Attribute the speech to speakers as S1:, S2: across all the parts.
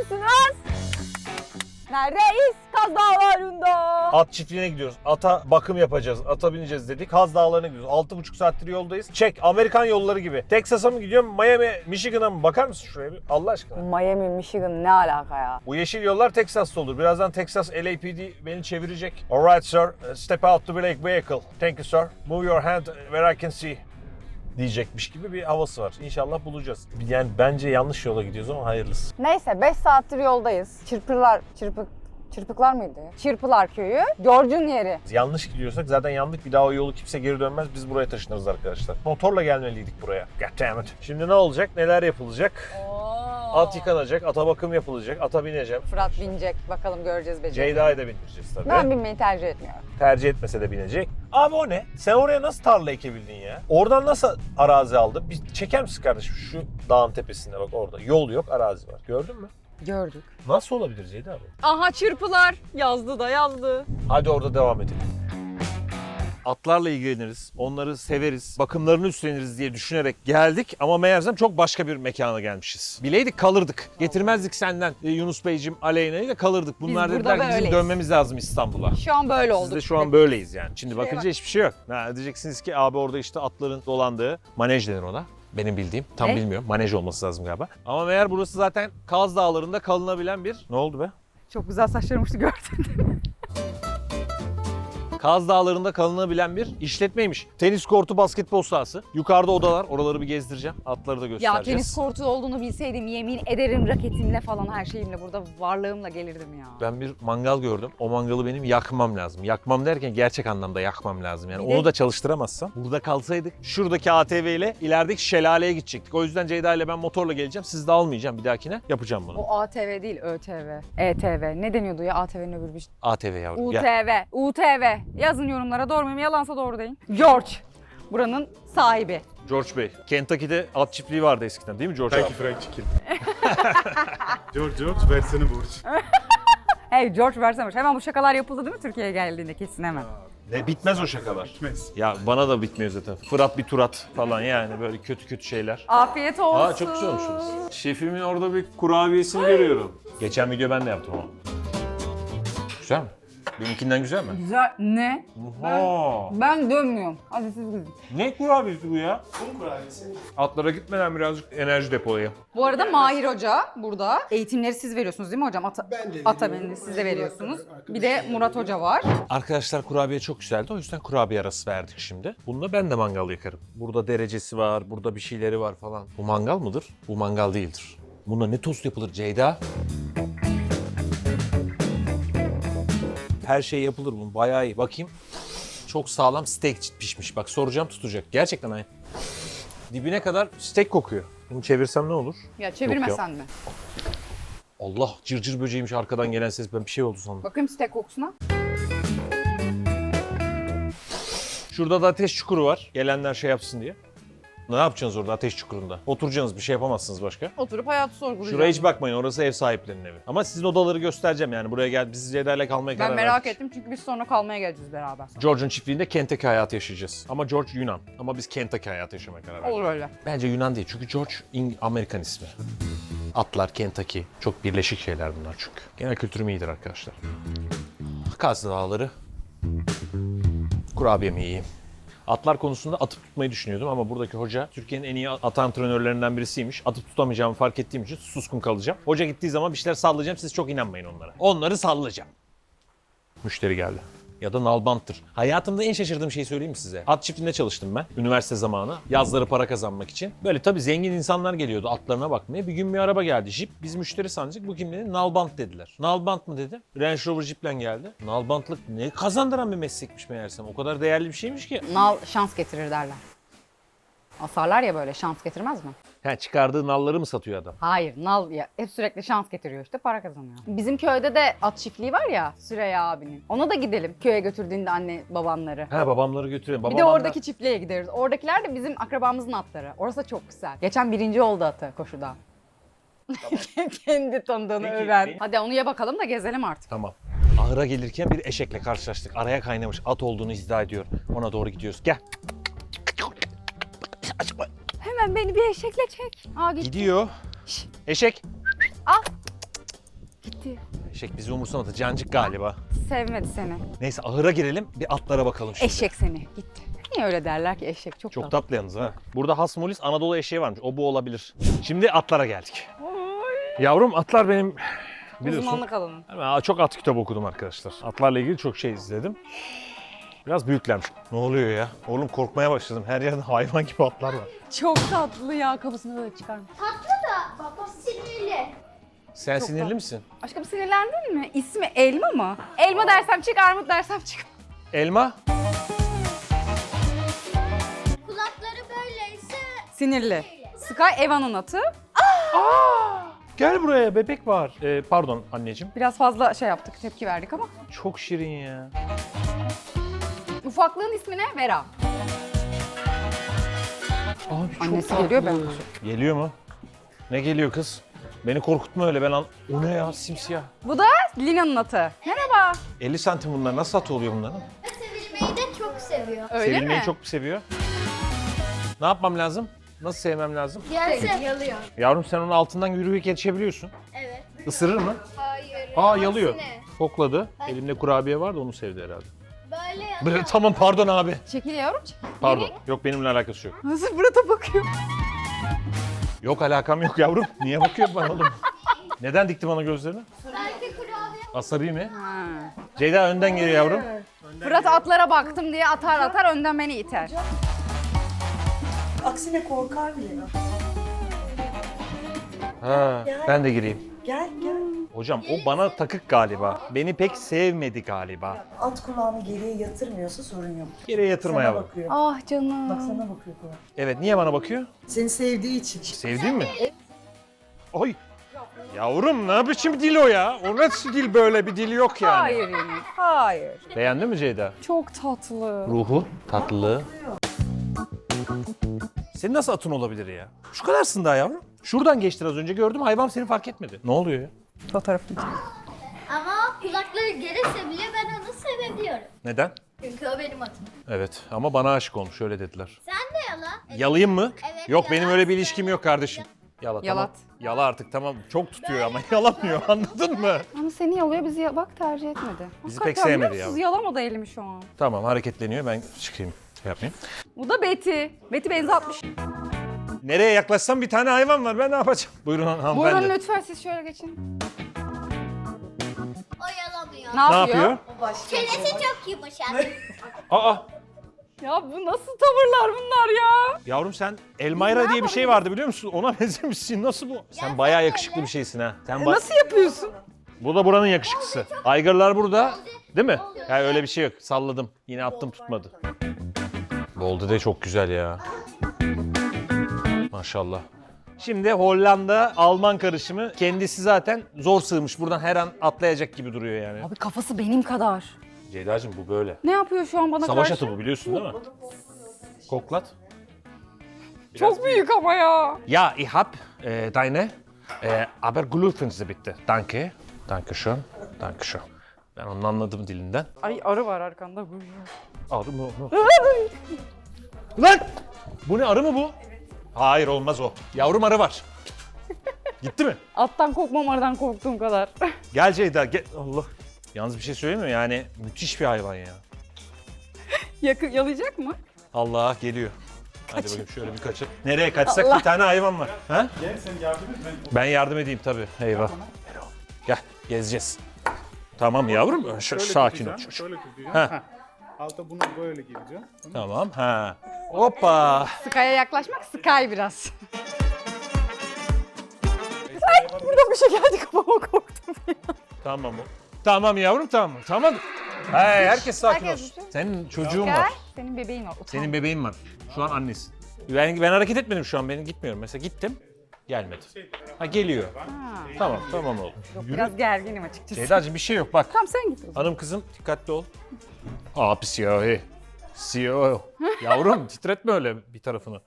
S1: Neredesiniz? Neredeyiz? Kaz Dağları'nda.
S2: At çiftliğine gidiyoruz. Ata bakım yapacağız. Ata bineceğiz dedik. Kaz Dağları'na gidiyoruz. 6,5 saattir yoldayız. Çek. Amerikan yolları gibi. Texas'a mı gidiyorum? Miami, Michigan'a mı? Bakar mısın şuraya bir? Allah aşkına.
S1: Miami, Michigan ne alaka ya?
S2: Bu yeşil yollar Texas'ta olur. Birazdan Texas LAPD beni çevirecek. Alright sir. Step out the black vehicle. Thank you sir. Move your hand where I can see. Diyecekmiş gibi bir havası var. İnşallah bulacağız. Yani bence yanlış yola gidiyoruz ama hayırlısı.
S1: Neyse 5 saattir yoldayız. Çırpıklar mıydı? Çırpılar köyü. George'un yeri.
S2: Yanlış gidiyorsak zaten yandık. Bir daha o yolu kimse geri dönmez. Biz buraya taşınırız arkadaşlar. Motorla gelmeliydik buraya. Goddammit. Şimdi ne olacak? Neler yapılacak? At yıkanacak, ata bakım yapılacak, ata bineceğim.
S1: Fırat binecek. Bakalım göreceğiz becereceğiz.
S2: Ceyda'yı da bindireceğiz tabii.
S1: Ben binmeyi tercih etmiyorum.
S2: Tercih etmese de binecek. Abi o ne? Sen oraya nasıl tarla ekebildin ya? Oradan nasıl arazi aldın? Bir çeker misin kardeşim? Şu dağın tepesinde bak orada. Yol yok, arazi var. Gördün mü?
S1: Gördük.
S2: Nasıl olabilir Ceyda abi?
S1: Aha çırpılar. Yazdı da yazdı.
S2: Hadi orada devam edelim. Atlarla ilgileniriz, onları severiz, bakımlarını üstleniriz diye düşünerek geldik ama meğersem çok başka bir mekana gelmişiz. Bileydik kalırdık. Getirmezdik senden Yunus Beyciğim, Aleyna'yı da kalırdık. Bunlar
S1: burada
S2: dediler ki bizim
S1: böyleyiz.
S2: dönmemiz lazım İstanbul'a.
S1: Şu an böyle olduk.
S2: Siz de şu an böyleyiz yani. Şimdi
S1: Şuraya
S2: bakınca
S1: bak.
S2: hiçbir şey yok. Ha, diyeceksiniz ki abi orada işte atların dolandığı manej denir ona. Benim bildiğim. Tam
S1: Ne?
S2: bilmiyorum. Manej olması lazım galiba. Ama meğer burası zaten Kaz Dağları'nda kalınabilen bir... Ne oldu be?
S1: Çok güzel saçlarım uçtu gördün.
S2: Kaz Dağları'nda kalınabilen bir işletmeymiş. Tenis kortu, basketbol sahası. Yukarıda odalar. Oraları bir gezdireceğim. Atları da
S1: Ya
S2: göstereceğiz.
S1: tenis kortu olduğunu bilseydim yemin ederim raketimle falan her şeyimle burada varlığımla gelirdim ya.
S2: Ben bir mangal gördüm. O mangalı benim yakmam lazım. Yakmam derken gerçek anlamda yakmam lazım. Yani
S1: Bir de-
S2: onu da çalıştıramazsam. Burada kalsaydık şuradaki ATV ile ilerideki şelaleye gidecektik. O yüzden Ceyda ile ben motorla geleceğim. Siz de almayacağım bir dahakine. Yapacağım bunu.
S1: O ATV değil ÖTV. ETV. Ne deniyordu ya ATV'nin öbür bir şey?
S2: ATV yavrum gel.
S1: UTV. Yazın yorumlara doğru muyum? Yalansa doğru deyin. George. Buranın sahibi.
S2: George Bey. Kentucky'de at çiftliği vardı eskiden değil mi George
S3: Thank
S2: abi?
S3: you fried chicken. George versene borç.
S1: Hey George versene. Hemen bu şakalar yapıldı değil mi Türkiye'ye geldiğinde kesin hemen.
S2: Ne bitmez o şakalar.
S3: Bitmez.
S2: Ya bana da bitmiyor zaten. Fırat bir turat falan yani böyle kötü kötü şeyler.
S1: Afiyet olsun.
S2: Aa çok güzel olmuşsunuz. Şefimin orada bir kurabiyesini görüyorum. Geçen video ben de yaptım ama. Güzel mi? Benimkinden güzel mi?
S1: Güzel. Ne?
S2: Oha!
S1: Ben dönmüyorum. Hadi siz gidin.
S2: Ne kurabiyesi bu ya?
S3: Un kurabiyesi.
S2: Atlara gitmeden birazcık enerji depolayayım.
S1: Bu arada Mahir Hoca burada. Eğitimleri siz veriyorsunuz değil mi hocam?
S3: Ben de
S1: Ata
S3: veriyorum.
S1: beni siz de veriyorsunuz.
S3: Arkadaşım
S1: Bir de Murat Hoca var.
S2: Arkadaşlar kurabiye çok güzeldi. O yüzden kurabiye arası verdik şimdi. Bunda ben de mangal yakarım. Burada derecesi var, burada bir şeyleri var falan. Bu mangal mıdır? Bu mangal değildir. Bunda ne tost yapılır Ceyda? Her şey yapılır bunun. Bayağı iyi. Bakayım. Çok sağlam steak pişmiş. Bak soracağım tutacak. Gerçekten aynı. Dibine kadar steak kokuyor. Bunu çevirsem ne olur?
S1: Ya çevirmesen mi?
S2: Allah cırcır böceğiymiş arkadan gelen ses. Ben bir şey oldu sandım.
S1: Bakayım steak kokusuna.
S2: Şurada da ateş çukuru var. Gelenler şey yapsın diye. Ne yapacaksınız orada ateş çukurunda? Oturacaksınız bir şey yapamazsınız başka.
S1: Oturup hayatı sorgulayacağım.
S2: Şuraya hiç bakmayın orası ev sahiplerinin evi. Ama sizin odaları göstereceğim yani buraya gel biz Ceyda'yla kalmaya karar
S1: Ben merak
S2: verdik.
S1: ettim çünkü biz sonra kalmaya geleceğiz beraber.
S2: George'un çiftliğinde Kentucky hayatı yaşayacağız. Ama George Yunan. Ama biz Kentucky hayatı yaşamaya karar verdik.
S1: Olur öyle.
S2: Bence Yunan değil çünkü George Amerikan ismi. Atlar, Kentucky. Çok birleşik şeyler bunlar çünkü. Genel kültürüm iyidir arkadaşlar. Kaz Dağları. Kurabiyemi yiyeyim. Atlar konusunda atıp tutmayı düşünüyordum ama buradaki hoca Türkiye'nin en iyi at antrenörlerinden birisiymiş. Atıp tutamayacağımı fark ettiğim için suskun kalacağım. Hoca gittiği zaman bir şeyler sallayacağım. Siz çok inanmayın onlara. Onları sallayacağım. Müşteri geldi. Ya da nalbanttır. Hayatımda en şaşırdığım şeyi söyleyeyim mi size? At çiftliğinde çalıştım ben. Üniversite zamanı. Yazları para kazanmak için. Böyle tabii zengin insanlar geliyordu atlarına bakmaya. Bir gün bir araba geldi. Jeep. Biz müşteri sanacak. Bu kim dedi? Nalbant dediler. Nalbant mı dedim. Range Rover Jeep'le geldi. Nalbantlık ne kazandıran bir meslekmiş meğersem. O kadar değerli bir şeymiş ki.
S1: Nal şans getirir derler. Asarlar ya böyle şans getirmez mi?
S2: Ha, çıkardığı nalları mı satıyor adam?
S1: Hayır nal ya hep sürekli şans getiriyor işte para kazanıyor. Bizim köyde de at çiftliği var ya Süreyya abinin. Ona da gidelim köye götürdüğünde anne babanları.
S2: Ha babamları götürüyor.
S1: Bir de oradaki çiftliğe gideriz. Oradakiler de bizim akrabamızın atları. Orası da çok güzel. Geçen birinci oldu atı koşuda. Kendi tanıdığını
S2: Peki,
S1: öven.
S2: benim-
S1: Hadi onu ye bakalım da gezelim artık.
S2: Tamam. Ahıra gelirken bir eşekle karşılaştık. Araya kaynamış. At olduğunu iddia ediyor. Ona doğru gidiyoruz. Gel.
S1: Hemen beni bir eşekle çek. Aa gitti.
S2: Gidiyor. Eşek.
S1: Al. gitti.
S2: Eşek bizi umursamadı. Cancık galiba.
S1: Sevmedi seni.
S2: Neyse ahıra girelim. Bir atlara bakalım şimdi.
S1: Eşek seni. Gitti. Niye öyle derler ki eşek? Çok,
S2: Çok tatlı yalnız ha. Burada Hasmolis Anadolu eşeği varmış. O bu olabilir. Şimdi atlara geldik. Yavrum atlar benim biliyorsun.
S1: Uzmanlık alanı.
S2: Ben çok at kitabı okudum arkadaşlar. Atlarla ilgili çok şey izledim. Biraz büyüklermiş. Ne oluyor ya? Oğlum korkmaya başladım. Her yerde hayvan gibi atlar var.
S1: Çok tatlı ya. Kafasını böyle çıkarmış.
S4: Tatlı da baba sinirli.
S2: Sen
S1: Çok
S2: sinirli
S1: tatlı.
S2: misin?
S1: Aşkım sinirlendin mi? İsmi Elma mı? Elma dersem çık, armut dersem çık.
S2: Elma?
S4: Kulakları böyleyse
S1: Sinirli. Sky Eva'nın atı.
S2: Gel buraya bebek var. Pardon anneciğim.
S1: Biraz fazla şey yaptık, tepki verdik ama.
S2: Çok şirin ya.
S1: Ufaklığın ismi ne? Vera.
S2: Abi çok
S1: Annesi
S2: tatlı.
S1: geliyor, ben
S2: Geliyor mu? Ne geliyor kız? Beni korkutma öyle ben O ne ya simsiyah.
S1: Bu da Lina'nın atı. Merhaba.
S2: 50 santim bunlar. Nasıl atı oluyor bunların?
S4: sevilmeyi de çok seviyor.
S1: Öyle
S2: Sevilmeyi
S1: mi?
S2: çok mu seviyor? Ne yapmam lazım? Nasıl sevmem lazım?
S4: Gelse yalıyor.
S2: Yavrum sen onun altından yürüyerek geçebiliyorsun.
S4: Evet.
S2: Isırır mı?
S4: Hayır.
S2: Aa yalıyor.
S4: Aksine.
S2: Kokladı. Elimde kurabiye vardı onu sevdi herhalde.
S4: Böyle yalıyor.
S2: Böyle, tamam pardon abi.
S1: Çekil yavrum, çekil.
S2: Pardon. Yok benimle alakası yok.
S1: Nasıl Fırat'a bakıyor?
S2: Yok alakam yok yavrum. Niye bakıyor bana oğlum? Neden dikti bana gözlerini?
S4: Belki kurabiye.
S2: Asabi mi?
S1: Ha.
S2: Ceyda önden geliyor yavrum.
S1: Fırat atlara baktım diye atar önden beni iter.
S5: Aksine korkar bile.
S2: Ha, ben de gireyim.
S5: Gel gel.
S2: Hocam o bana takık galiba. Beni pek sevmedi galiba.
S5: At kulağını geriye yatırmıyorsa sorun yok.
S2: Geriye yatırma
S5: Sana
S2: yavrum.
S5: bakıyor.
S1: Ah canım.
S5: Bak sana bakıyor kulak.
S2: Evet niye bana bakıyor?
S5: Seni sevdiği için.
S2: Sevdin mi? Oy. Yavrum ne biçim dil o ya? O nasıl dil böyle bir dil yok yani.
S1: Hayır Yunus, hayır.
S2: Beğendin mi Ceyda?
S1: Çok tatlı.
S2: Ruhu, tatlılığı. Senin nasıl atın olabilir ya? Şu kadarsın daha yavrum. Şuradan geçtin az önce gördüm hayvan seni fark etmedi. Ne oluyor ya?
S1: Fotoğrafını çek.
S4: Ama kulakları gerese bile ben onu sevebiliyorum.
S2: Neden?
S4: Çünkü o benim atım.
S2: Evet ama bana aşık olmuş öyle dediler.
S4: Sen de yala.
S2: Yalayayım mı?
S4: Evet,
S2: Yok benim
S4: yala.
S2: öyle bir ilişkim yok kardeşim. Yala
S1: Yalat.
S2: tamam. Yala artık tamam. Çok tutuyor ama yalamıyor anladın mı?
S1: Ama seni yalıyor, bizi bak tercih etmedi.
S2: Bizi
S1: Hakikaten
S2: pek sevmedi
S1: biliyor musunuz?
S2: ya.
S1: Yalamadı elimi şu an.
S2: Tamam hareketleniyor ben çıkayım. Şey yapmayayım.
S1: Bu da Betty. Betty benzi atmış.
S2: Nereye yaklaşsam bir tane hayvan var ben ne yapacağım? Buyurun hanımefendi.
S1: Buyurun lütfen siz şöyle geçin.
S4: O yalamıyor.
S1: Ne
S2: Ne
S1: yapıyor?
S2: yapıyor?
S4: Çenesi çok yumuşak.
S2: Aa
S1: Ya bu nasıl tavırlar bunlar ya?
S2: yavrum sen Elmayra diye bir şey vardı biliyor musun? Ona benzemişsin. Nasıl bu? Sen bayağı yakışıklı bir şeysin ha. Sen
S1: Nasıl yapıyorsun?
S2: Bu da buranın yakışıklısı. Aygırlar burada. Değil mi? Ya öyle bir şey yok. Salladım. Yine attım tutmadı. Boldu de çok güzel ya. Maşallah. Şimdi Hollanda Alman karışımı. Kendisi zaten zor sığmış. Buradan her an atlayacak gibi duruyor yani.
S1: Abi kafası benim kadar.
S2: Ceyda'cığım bu böyle.
S1: Ne yapıyor şu an bana
S2: Savaş
S1: karşı?
S2: atı bu biliyorsun değil mi? Koklat.
S1: Çok büyük ama ya.
S2: Ja, ich hab deine, aber gluten Sie bitte. Danke. Danke schön. Danke schön. Ben onu anladım dilinden.
S1: Ay arı var arkanda.
S2: Arı mı? Lan! Bu ne arı mı bu? Hayır olmaz o. Yavrum arı var. Gitti mi?
S1: Attan korkmam, arıdan korktuğum kadar.
S2: Gel Ceyda gel. Allah. Yalnız bir şey söyleyeyim mi? Yani müthiş bir hayvan ya.
S1: Yalayacak mı?
S2: Allah geliyor. Hadi bakayım şöyle bir kaçır. Nereye kaçsak bir tane hayvan var. Ha?
S3: Gel sen yardım et
S2: Ben yardım edeyim tabii. Eyvah. Gel gezeceğiz. Tamam yavrum. Sakin ol çocuk.
S3: Şöyle tutacağım.
S2: Ha.
S3: Ha. Alta bunu böyle gireceğim.
S2: Tamam. Ha. Hoppa.
S1: Sky'a yaklaşmak Sky biraz. Ay burada bir şey geldi kafama korktum ya.
S2: Tamam o. Tamam yavrum tamam. Tamam. Hey, herkes sakin
S1: Herkes
S2: olsun.
S1: düşün.
S2: Senin çocuğun
S1: Gel.
S2: var.
S1: Senin bebeğin var. Utan.
S2: Senin bebeğin var. Şu an annesi. Ben hareket etmedim şu an. Ben gitmiyorum. Mesela gittim. Gelmedi. Ha geliyor. Tamam oğlum.
S1: Biraz gerginim açıkçası.
S2: Ceyda'cığım bir şey yok bak.
S1: Tamam sen git o zaman.
S2: Hanım kızım dikkatli ol. Abi siyahi. Siyahi. Yavrum titretme öyle bir tarafını.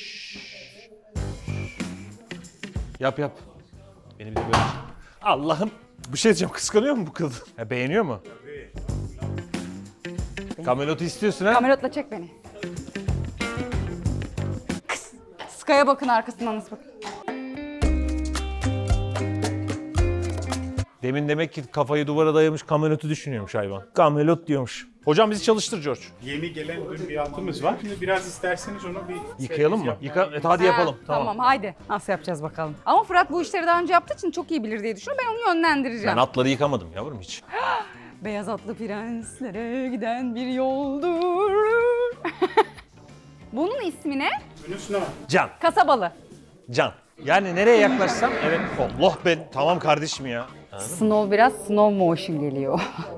S2: Yap. Beni bir de böyle. Allah'ım. Bir şey diyeceğim. Kıskanıyor mu bu kadın? Ha, beğeniyor mu? Kamelotu istiyorsun ha?
S1: Kamerotla çek beni. Kız. Sky'a bakın arkasından nasıl bakın.
S2: Demin demek ki kafayı duvara dayamış kamelotu düşünüyormuş hayvan. Kamelot diyormuş. Hocam bizi çalıştır George.
S3: Yeni gelen dün bir atımız var. Şimdi biraz isterseniz onu bir
S2: Yıkayalım mı? Hadi yapalım.
S1: Tamam haydi. Nasıl yapacağız bakalım. Ama Fırat bu işleri daha önce yaptığı için çok iyi bilir diye düşünüyorum. Ben onu yönlendireceğim.
S2: Ben atları yıkamadım yavrum hiç.
S1: Beyaz atlı prenslere giden bir yoldur. Bunun ismi ne?
S3: Bunun üstüne var.
S2: Can.
S1: Kasabalı.
S2: Can. Yani nereye yaklaşsam evet. Allah ben tamam kardeşim ya.
S1: Snow biraz slow motion geliyor.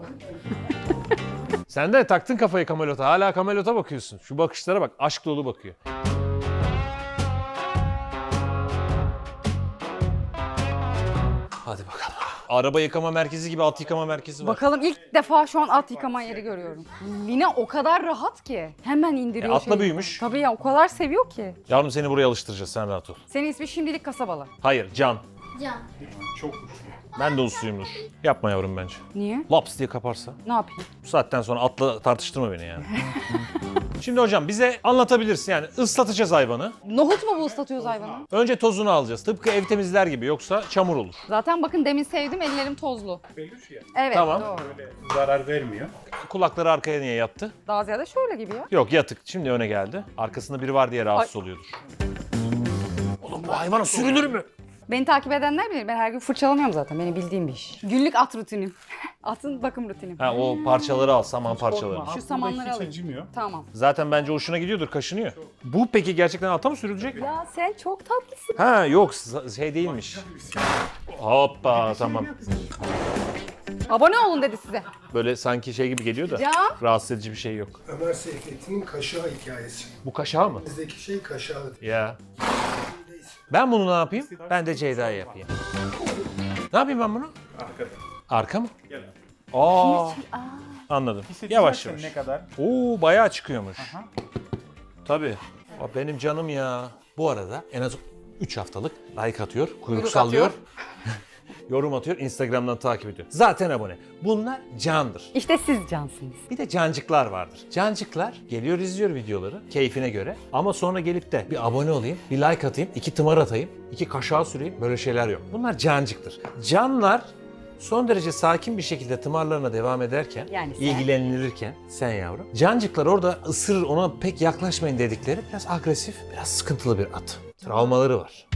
S2: Sen de taktın kafayı kamelota. Hala kamelota bakıyorsun. Şu bakışlara bak. Aşk dolu bakıyor. Hadi bakalım. Araba yıkama merkezi gibi at yıkama merkezi var.
S1: Bakalım ilk defa şu an at yıkama yeri görüyorum. Lina o kadar rahat ki. Hemen indiriyor
S2: Atla
S1: şeyi.
S2: büyümüş.
S1: Tabii ya o kadar seviyor ki.
S2: Yavrum seni buraya alıştıracağız sen rahat ol.
S1: Senin ismi şimdilik Kasabalı.
S2: Hayır Can.
S4: Can.
S3: Çok uçlu.
S2: Ben de usluyumdur. Yapma yavrum bence.
S1: Niye?
S2: Laps diye kaparsa.
S1: Ne yapayım?
S2: Bu saatten sonra atla tartıştırma beni yani. Şimdi hocam bize anlatabilirsin yani ıslatacağız hayvanı.
S1: Nohut mu bu ıslatıyoruz hayvanı?
S2: Önce tozunu alacağız. Tıpkı ev temizler gibi yoksa çamur olur.
S1: Zaten bakın demin sevdim ellerim tozlu.
S3: Peluş ya.
S1: Evet
S2: Tamam.
S1: doğru.
S3: Böyle zarar vermiyor.
S2: Kulakları arkaya niye yattı?
S1: Daha ziyade şöyle gibi ya.
S2: Yok yatık. Şimdi öne geldi. Arkasında biri var diye rahatsız oluyordur. Oğlum bu hayvana sürülür mü?
S1: Beni takip edenler bilir. Ben her gün fırçalamıyorum zaten. Benim bildiğim bir iş. Günlük at rutinim. Atın bakım rutinim.
S2: Ha o parçaları al, saman parçalarını.
S3: Korkma,
S1: Şu
S3: at
S1: samanları
S3: burada hiç
S1: alayım.
S3: acımıyor.
S1: Tamam.
S2: Zaten bence hoşuna gidiyordur, kaşınıyor. Bu peki gerçekten ata mı sürülecek?
S1: Ya sen çok tatlısın.
S2: Ha yok şey değilmiş. Hoppa tamam.
S1: Abone olun dedi size.
S2: Böyle sanki şey gibi geliyor da
S1: Ya.
S2: rahatsız edici bir şey yok.
S6: Ömer Seyfettin'in kaşağı hikayesi.
S2: Bu kaşağı mı?
S6: Bizdeki şey kaşağı.
S2: Ya. Ben bunu ne yapayım? Ben de Ceyda'ya yapayım. Ne yapayım ben bunu?
S3: Arkada.
S2: Arka mı?
S3: Gel.
S2: Aa. Anladım. Yavaş yavaş.
S3: Ne kadar?
S2: Oo bayağı çıkıyormuş. Tabii. Aa, benim canım ya. Bu arada en az 3 haftalık like atıyor, kuyruk sallıyor. Yorum atıyor, Instagram'dan takip ediyor. Zaten abone. Bunlar candır.
S1: İşte siz cansınız.
S2: Bir de cancıklar vardır. Cancıklar geliyor izliyor videoları keyfine göre. Ama sonra gelip de bir abone olayım, bir like atayım, 2 tımar atayım, 2 kaşağı süreyim. Böyle şeyler yok. Bunlar cancıktır. Canlar son derece sakin bir şekilde tımarlarına devam ederken,
S1: Yani sen.
S2: ilgilenilirken sen yavrum. Cancıklar orada ısırır ona pek yaklaşmayın dedikleri biraz agresif, biraz sıkıntılı bir at. Travmaları var.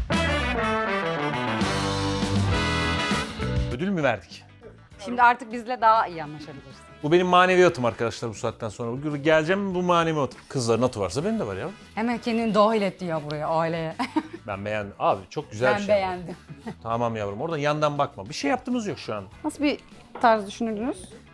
S2: Ödül mü verdik?
S1: Şimdi artık bizle daha iyi anlaşabilirsin.
S2: Bu benim maneviyatım arkadaşlar bu saatten sonra. Geleceğim bu maneviyat. Kızların atı varsa benim de var ya.
S1: Hemen kendini dahil etti ya buraya aileye.
S2: Ben beğendim. Abi çok güzel bir
S1: Ben
S2: şey.
S1: beğendim.
S2: Tamam yavrum oradan yandan bakma. Bir şey yaptığımız yok şu an.
S1: Nasıl bir tarz düşünürdünüz?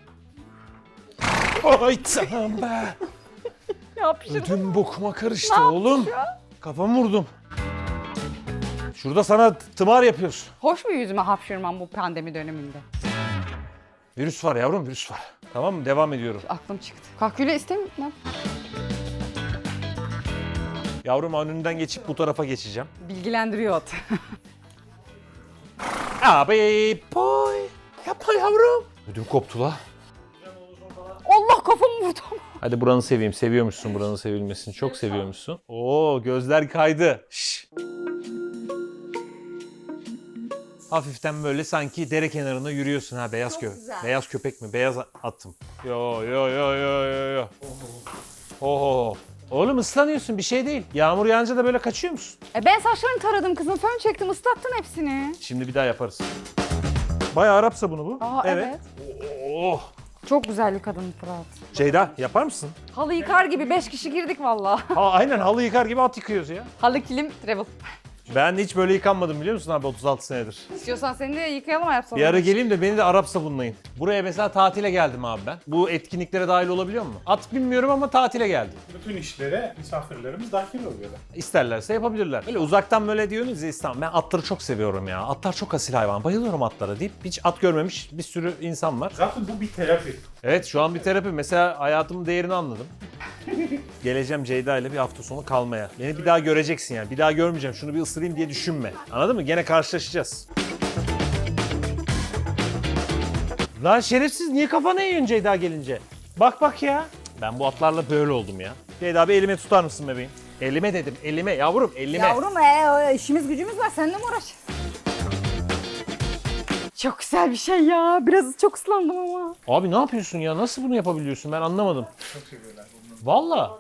S2: Ay tamam be.
S1: Yapıştırdım.
S2: Ödüm bokuma karıştı oğlum. Kafamı vurdum. Şurada sana tımar yapıyoruz.
S1: Hoş mu yüzüme hapşırmam bu pandemi döneminde?
S2: Virüs var yavrum virüs var. Tamam mı? Devam ediyorum.
S1: Aklım çıktı. Kahküle istemiyorum.
S2: Yavrum önünden geçip bu tarafa geçeceğim.
S1: Bilgilendiriyor at.
S2: Abi boy. Yapma yavrum. Ödüm koptu la.
S1: Allah kafamı vurdu.
S2: Hadi buranı seveyim. Seviyormuşsun buranın sevilmesini. Çok seviyormuşsun. Oo gözler kaydı. Şşş. Hafiften böyle sanki dere kenarında yürüyorsun ha beyaz köpek. Beyaz köpek mi? Beyaz attım. Yo yo yo yo yo yo. Oho. Oğlum ıslanıyorsun bir şey değil. Yağmur yağınca da böyle kaçıyor musun?
S1: Ben saçlarını taradım kızım. Fön çektim ıslattın hepsini.
S2: Şimdi bir daha yaparız. Bayağı Arap sabunu bu.
S1: Aa evet.
S2: Oh.
S1: Çok güzel bir kadın Fırat.
S2: Ceyda yapar mısın?
S1: Halı yıkar gibi 5 kişi girdik valla.
S2: Ha aynen halı yıkar gibi at yıkıyoruz ya.
S1: Halı kilim travel.
S2: Ben hiç böyle yıkanmadım biliyor musun abi 36 senedir.
S1: İstiyorsan seni de yıkayalım yapsana.
S2: Bir ara geleyim de beni de Arap sabunlayın. Buraya mesela tatile geldim abi ben. Bu etkinliklere dahil olabiliyor mu? At bilmiyorum ama tatile geldim.
S3: Bütün işlere misafirlerimiz dahil oluyorlar.
S2: İsterlerse yapabilirler. Böyle uzaktan böyle diyorsunuz ya İstanbul. Ben atları çok seviyorum ya. Atlar çok asil hayvan. Bayılıyorum atlara deyip hiç at görmemiş bir sürü insan var.
S3: Zaten bu bir terapi.
S2: Evet şu an bir terapi. Mesela hayatımın değerini anladım. Geleceğim Ceyda ile bir hafta sonu kalmaya. Beni bir daha göreceksin yani. Bir daha görmeyeceğim. Şunu bir ısırayım diye düşünme. Anladın mı? Gene karşılaşacağız. Lan şerefsiz niye kafana yiyorsun Ceyda gelince? Bak bak ya. Ben bu atlarla böyle oldum ya. Ceyda bir elime tutar mısın bebeğim? Elime dedim. Elime yavrum elime.
S1: Yavrum işimiz gücümüz var. Seninle mi uğraşacağız? Çok güzel bir şey ya. Biraz çok ıslandım ama.
S2: Abi ne yapıyorsun ya? Nasıl bunu yapabiliyorsun? Ben anlamadım.
S3: Çok seviyorlar bunu.
S2: Valla.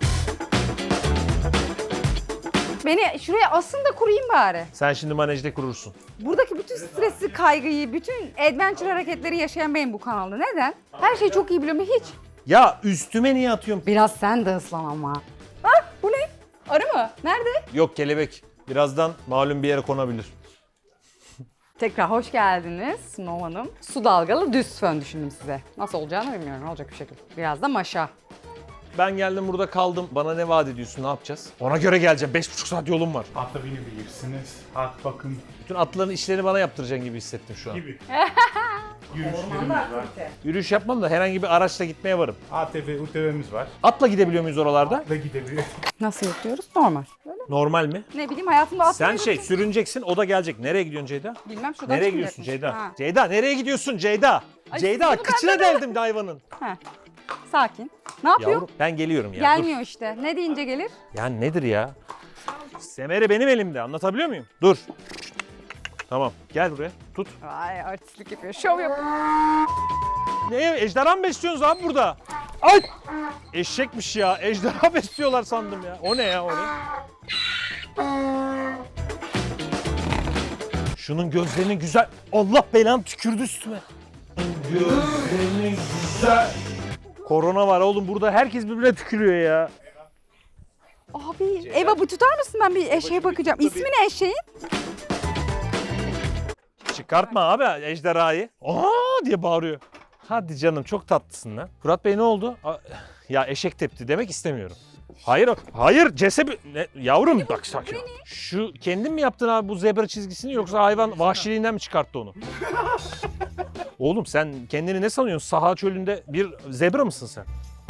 S1: Beni şuraya asın da kurayım bari.
S2: Sen şimdi manejde kurursun.
S1: Buradaki bütün stresi, kaygıyı, bütün adventure hareketleri yaşayan benim bu kanalda. Neden? Her şeyi çok iyi biliyorum hiç.
S2: Ya üstüme niye atıyorsun?
S1: Biraz sen de ıslan ama. Ah bu ne? Arı mı? Nerede?
S2: Yok kelebek. Birazdan malum bir yere konabilir.
S1: Tekrar hoş geldiniz Snow Hanım. Su dalgalı düz fön düşündüm size. Nasıl olacağını bilmiyorum. Olacak bir şekilde. Biraz da maşa.
S2: Ben geldim burada kaldım. Bana ne vaat ediyorsun? Ne yapacağız? Ona göre geleceğim. 5,5 saat yolum var.
S3: Ata binebilirsiniz. At bakım
S2: Bütün atların işlerini bana yaptıracaksın gibi hissettim şu an.
S3: gibi. Yürüyüşlerimiz var.
S2: Yürüyüş yapmam da herhangi bir araçla gitmeye varım.
S3: ATV, UTV'miz var.
S2: Atla gidebiliyor muyuz oralarda?
S3: Ve gidebilir.
S1: Nasıl yapıyoruz? Normal. Böyle.
S2: Normal mi?
S1: Ne bileyim hayatımda at
S2: Sen sürüneceksin, o da gelecek. Nereye gidiyorsun Ceyda?
S1: Bilmem şuradan
S2: Nereye
S1: çıkmayacakmış.
S2: gidiyorsun Ceyda?
S1: Ha.
S2: Ceyda nereye gidiyorsun Ceyda?
S1: Ay,
S2: Ceyda
S1: bunu
S2: kıçına
S1: benden
S2: deldim de hayvanın.
S1: Heh. Sakin. Ne yapıyor?
S2: Yavrum ben geliyorum ya.
S1: Gelmiyor işte. Ne deyince gelir?
S2: Dur. Ya nedir ya? Semeri benim elimde. Anlatabiliyor muyum? Dur. Tamam. Gel buraya. Tut.
S1: Vay artistlik yapıyor. Şov yapıyor.
S2: Ne? Ejderha mı besliyorsunuz abi burada? Ay! Eşekmiş ya. Ejderha besliyorlar sandım ya. O ne ya o ne? Şunun gözlerinin güzel. Allah belanı tükürdü üstüme. Gözlerinin güzel. Korona var oğlum burada herkes birbirine tükürüyor ya.
S1: Abi Eva bu tutar mısın? Ben bir eşeğe bakacağım. İsmi ne eşeğin?
S2: Çıkartma abi ejderhayı. Aa diye bağırıyor. Hadi canım çok tatlısın lan. Fırat Bey ne oldu? Ya eşek tepti demek istemiyorum. Hayır, hayır cesebi... Yavrum bak sakin ol. Şu kendin mi yaptın abi bu zebra çizgisini yoksa hayvan vahşiliğinden mi çıkarttı onu? Oğlum sen kendini ne sanıyorsun? Saha çölünde bir zebra mısın sen?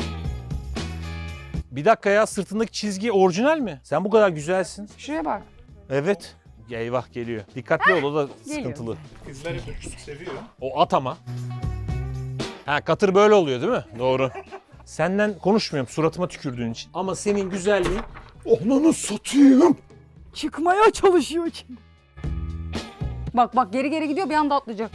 S2: Bir dakika ya sırtındaki çizgi orijinal mi? Sen bu kadar güzelsin.
S1: Şuraya bak.
S2: Evet. Eyvah geliyor. Dikkatli ol o da
S1: geliyor.
S2: sıkıntılı.
S3: Kızlar hep seviyor.
S2: O at ama. Ha katır böyle oluyor değil mi? Doğru. Senden konuşmuyorum suratıma tükürdüğün için. Ama senin güzelliğin... Onunu satayım.
S1: Çıkmaya çalışıyor içinde. Bak bak geri geri gidiyor bir anda atlayacak.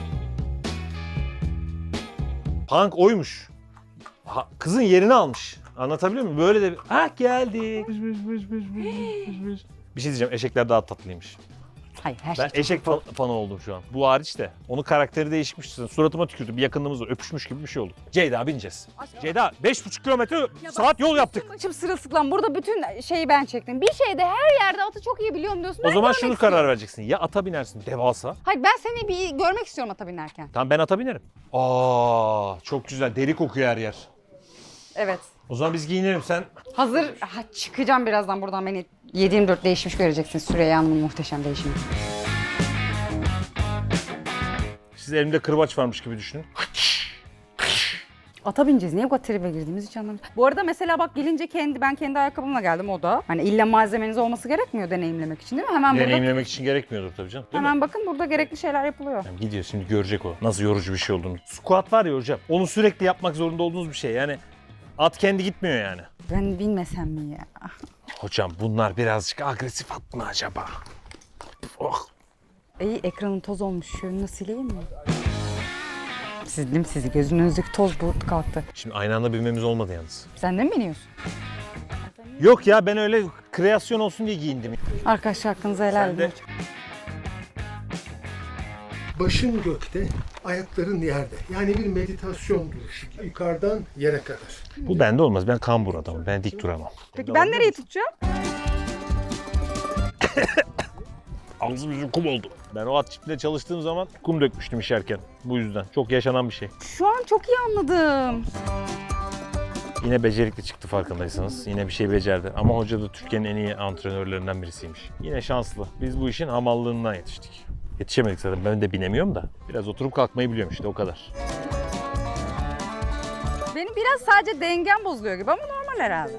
S2: Punk oymuş. Kızın yerini almış. Anlatabiliyor muyum? Böyle de... Ah geldik. Bir şey diyeceğim eşekler daha tatlıymış.
S1: Hayır her şey
S2: Ben eşek fanı oldum şu an. Bu hariç de. Onun karakteri değişmiş. Suratıma tükürdü. Bir yakınlığımız var. Öpüşmüş gibi bir şey oldu. Ceyda bineceğiz. Ceyda 5,5 kilometre saat yol yaptık.
S1: Başım sırılsıklam. Burada bütün şeyi ben çektim. Bir şeyde her yerde atı çok iyi biliyorum diyorsun.
S2: O
S1: Ben
S2: zaman
S1: görmek
S2: şunu
S1: istiyorum.
S2: karar vereceksin. Ya ata binersin devasa.
S1: Hayır ben seni bir görmek istiyorum ata binerken.
S2: Tamam ben ata binerim. Aa çok güzel. Deri kokuyor her yer.
S1: Evet.
S2: O zaman biz giyinelim sen.
S1: Hazır çıkacağım birazdan buradan beni 7/24 değişmiş göreceksin Süreyya Hanım'ın muhteşem değişimi.
S2: Siz elimde kırbaç varmış gibi düşünün.
S1: Ata bineceğiz. Niye bu kadar tribe girdiğimizi hiç anlamadım. Bu arada mesela bak gelince ben kendi ayakkabımla geldim o da. Hani illa malzemeniz olması gerekmiyor deneyimlemek için değil mi? Hemen burada.
S2: Deneyimlemek için gerekmiyordur tabii canım. Değil mi?
S1: Hemen bakın burada gerekli şeyler yapılıyor.
S2: Yani gidiyor şimdi görecek o. Nasıl yorucu bir şey olduğunu. Squat var ya hocam. Onu sürekli yapmak zorunda olduğunuz bir şey. Yani at kendi gitmiyor yani.
S1: Ben bilmesem mi ya?
S2: Hocam bunlar birazcık agresif at mı acaba? Oh.
S1: İyi ekranın toz olmuş. Şunu sileyim mi? Sildim sizi. Gözünüzdeki toz bulut kalktı.
S2: Şimdi aynı anda binmemiz olmadı yalnız.
S1: Sen de mi biniyorsun?
S2: Yok ya ben öyle kreasyon olsun diye giyindim.
S1: Arkadaşlar hakkınızı helal
S2: Sen de-
S1: edin.
S6: Başın gökte, ayakların yerde. Yani bir meditasyon duruşu. Yukarıdan yere kadar.
S2: Bu bende olmaz. Ben kambur adamım. Ben dik duramam.
S1: Peki ben nereyi tutacağım?
S2: Ağzım yüzüm kum oldu. Ben o at çiftliğinde çalıştığım zaman kum dökmüştüm işerken. Bu yüzden. Çok yaşanan bir şey.
S1: Şu an çok iyi anladım.
S2: Yine becerikli çıktı farkındaysanız. Yine bir şey becerdi. Ama hoca da Türkiye'nin en iyi antrenörlerinden birisiymiş. Yine şanslı. Biz bu işin hamallığından yetiştik. Yetişemedik zaten. Ben de binemiyorum da. Biraz oturup kalkmayı biliyorum işte o kadar.
S1: Benim biraz sadece dengem bozuluyor gibi ama normal herhalde.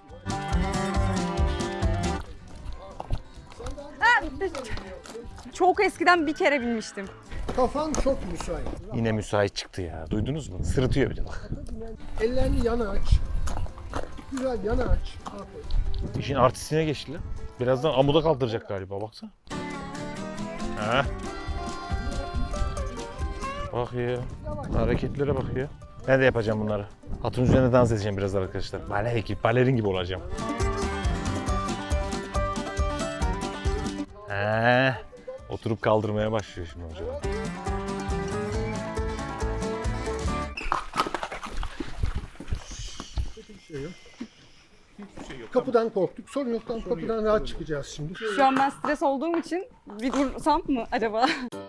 S1: Ha, çok eskiden bir kere binmiştim.
S6: Kafan çok müsait.
S2: Yine müsait çıktı ya. Duydunuz mu? Sırıtıyor bir de bak.
S6: Ellerini yana aç. Güzel yana aç. Aferin.
S2: İşin artistine geçtiler. Birazdan amuda kaldıracak galiba baksana. Ha. Bak ya. Hareketlere bak ya. Ben de yapacağım bunları. Atın üzerine dans edeceğim biraz arkadaşlar. Balerin gibi olacağım. Oturup kaldırmaya başlıyor şimdi hocam.
S6: Kapıdan korktuk. Sorun yok. Kapıdan rahat çıkacağız şimdi.
S1: Şu an ben stres olduğum için bir dursam mı acaba?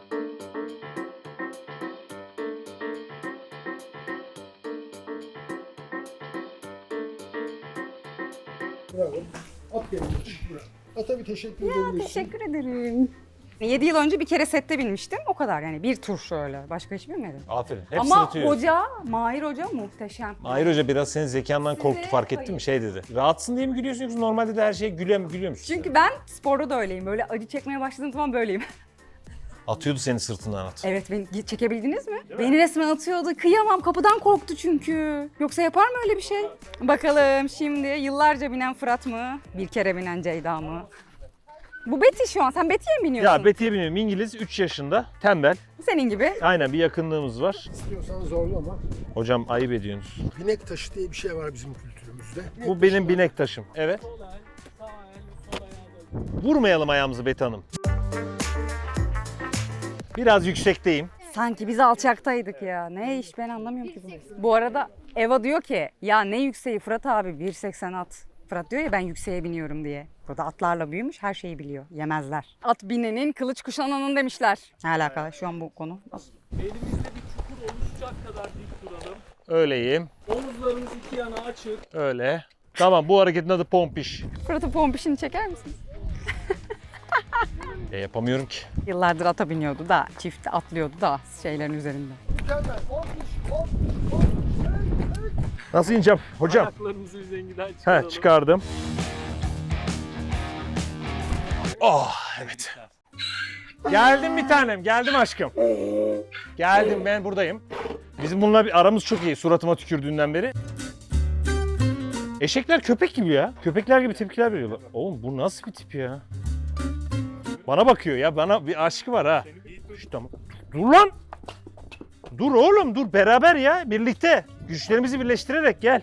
S6: Bravo. At gelin. Ata bir teşekkür edebilirsin.
S1: Teşekkür ederim. 7 yıl önce bir kere sette binmiştim. O kadar yani. Bir tur şöyle. Başka hiç binmedim.
S2: Aferin. Hep
S1: Ama
S2: sırıtıyor.
S1: hoca, Mahir Hoca muhteşem.
S2: Mahir Hoca biraz senin zekandan korktu, fark ettin mi? Şey dedi. Rahatsın diye mi gülüyorsun yoksa normalde de her şeye gülüyor musun?
S1: Çünkü ben sporda da öyleyim. Böyle acı çekmeye başladığım zaman böyleyim.
S2: Atıyordu seni sırtından at.
S1: Evet, beni çekebildiniz mi? Beni resmen atıyordu. Kıyamam, kapıdan korktu çünkü. Yoksa yapar mı öyle bir şey? Bakalım şimdi yıllarca binen Fırat mı? Bir kere binen Ceyda mı? Bu Betty şu an. Sen Betty'ye mi biniyorsun?
S2: Ya Betty'ye biniyorum. İngiliz, 3 yaşında, tembel.
S1: Senin gibi.
S2: Aynen bir yakınlığımız var.
S6: İstiyorsan zorlama.
S2: Hocam ayıp ediyorsunuz.
S6: Binek taşı diye bir şey var bizim kültürümüzde.
S2: Bu benim binek taşım. Evet. Vurmayalım ayağımızı Betty Hanım. Biraz yüksekteyim.
S1: Sanki biz alçaktaydık ya. Ne iş ben anlamıyorum ki bunu. Bu arada Eva diyor ki ya ne yükseği Fırat abi 1.80 at. Fırat diyor ya ben yükseğe biniyorum diye. Burada atlarla büyümüş her şeyi biliyor. Yemezler. At binenin kılıç kuşananın demişler. Ne alakalı şu an bu konu?
S7: Elimizde bir çukur oluşacak kadar dik duralım.
S2: Öyleyim.
S7: Omuzlarımız iki yana açık.
S2: Öyle. Tamam bu hareketin adı pompiş.
S1: Fırat'ın pompişini çeker misin?
S2: Yapamıyorum ki.
S1: Yıllardır ata biniyordu da çift atlıyordu da şeylerin üzerinde.
S2: Nasıl ineceğim hocam?
S7: Ayaklarımızı üzerinden çıkaralım.
S2: He çıkardım. Oh evet. Geldim bir tanem, geldim aşkım. Geldim ben buradayım. Bizim bununla bir aramız çok iyi suratıma tükürdüğünden beri. Eşekler köpek gibi ya. Köpekler gibi tepkiler veriyorlar. Oğlum bu nasıl bir tip ya? Bana bakıyor ya, bana bir aşkı var ha. Şu, tamam. Dur lan! Dur oğlum dur beraber ya birlikte. Güçlerimizi birleştirerek gel.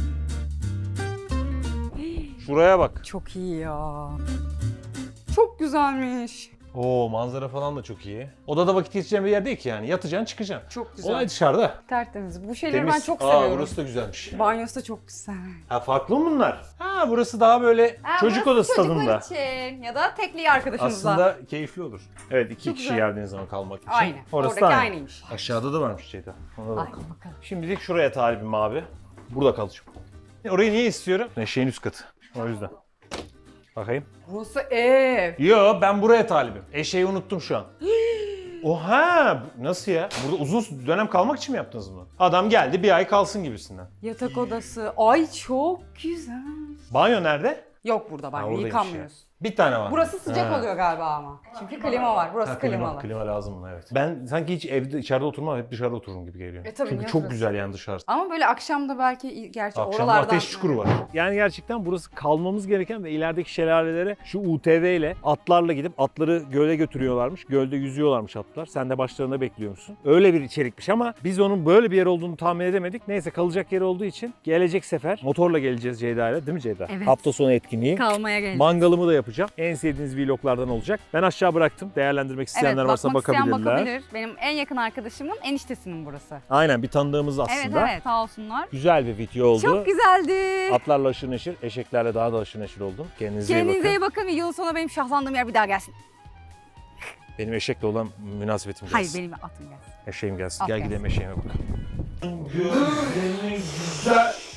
S2: Şuraya bak.
S1: Çok iyi ya. Çok güzelmiş.
S2: Oo manzara falan da çok iyi. Odada vakit geçireceğin bir yer değil ki yani. Yatacaksın çıkacaksın.
S1: Çok güzel.
S2: Olay dışarıda.
S1: Tertemiz. Bu şeyleri
S2: Temiz.
S1: ben çok seviyorum.
S2: Burası da güzelmiş.
S1: Banyosu da çok güzel.
S2: Ha farklı mı bunlar? Ha burası daha böyle çocuk odası tadında.
S1: için ya da tekliği arkadaşımızla.
S2: Aslında keyifli olur. Evet iki
S1: Çok
S2: kişi
S1: güzel.
S2: geldiğiniz zaman kalmak için.
S1: Aynen.
S2: Orası
S1: Oradaki
S2: da aynı.
S1: aynıymış.
S2: Aşağıda da varmış Ceyda. Ona da
S1: Ay
S2: bakalım.
S1: bakalım.
S2: Şimdilik şuraya talibim abi. Burada kalacağım. Orayı niye istiyorum? Eşeğin üst katı. O yüzden. Bakayım.
S1: Burası ev.
S2: Yo ben buraya talibim. Eşeği unuttum şu an. Oha! Nasıl ya? Burada uzun dönem kalmak için mi yaptınız bunu? Adam geldi bir ay kalsın gibisinden.
S1: Yatak odası. Ay çok güzel.
S2: Banyo nerede?
S1: Yok burada
S2: Ha,
S1: banyo.
S2: oradaymış
S1: Yıkanmıyoruz.
S2: Bir tane var.
S1: Burası sıcak
S2: Ha.
S1: oluyor galiba ama. Çünkü klima var. Burası
S2: Ha, klima,
S1: klimalı.
S2: klima lazım buna evet. Ben sanki hiç evde içeride oturmam hep dışarıda otururum gibi geliyor.
S1: Tabii,
S2: Çünkü
S1: niye
S2: çok
S1: oturursun?
S2: güzel yani dışarısı.
S1: Ama böyle akşamda belki gerçi
S2: Akşamda
S1: oralardan...
S2: ateş çukuru var. Yani gerçekten burası kalmamız gereken ve ilerideki şelalelere şu UTV ile atlarla gidip atları göle götürüyorlarmış. Gölde yüzüyorlarmış atlar. Sen de başlarında bekliyormuşsun. Öyle bir içerikmiş ama biz onun böyle bir yer olduğunu tahmin edemedik. Neyse kalacak yer olduğu için gelecek sefer motorla geleceğiz Ceyda ile. Değil mi Ceyda?
S1: Evet.
S2: Hafta sonu etkinliği.
S1: Kalmaya geldim.
S2: Mangalımı da yapacağım. En sevdiğiniz vloglardan olacak. Ben aşağı bıraktım. Değerlendirmek isteyenler varsa
S1: bakmak isteyen
S2: bakabilirler.
S1: bakabilir. Benim en yakın arkadaşımın eniştesinin burası.
S2: Aynen bir tanıdığımız aslında.
S1: Evet evet sağ olsunlar.
S2: Güzel bir video oldu.
S1: Çok güzeldi.
S2: Atlarla aşırı neşir, eşeklerle daha da aşırı neşir oldum. Kendinize,
S1: Kendinize
S2: iyi bakın.
S1: iyi bakın ve yılın sonunda benim şahlandığım yer bir daha gelsin.
S2: Benim eşekle olan münasebetim
S1: Hayır
S2: gelsin.
S1: benim atım gelsin.
S2: Eşeğim gelsin.
S1: At
S2: Gel
S1: gelsin.
S2: gidelim eşeğime bakalım. Gözlerini güzel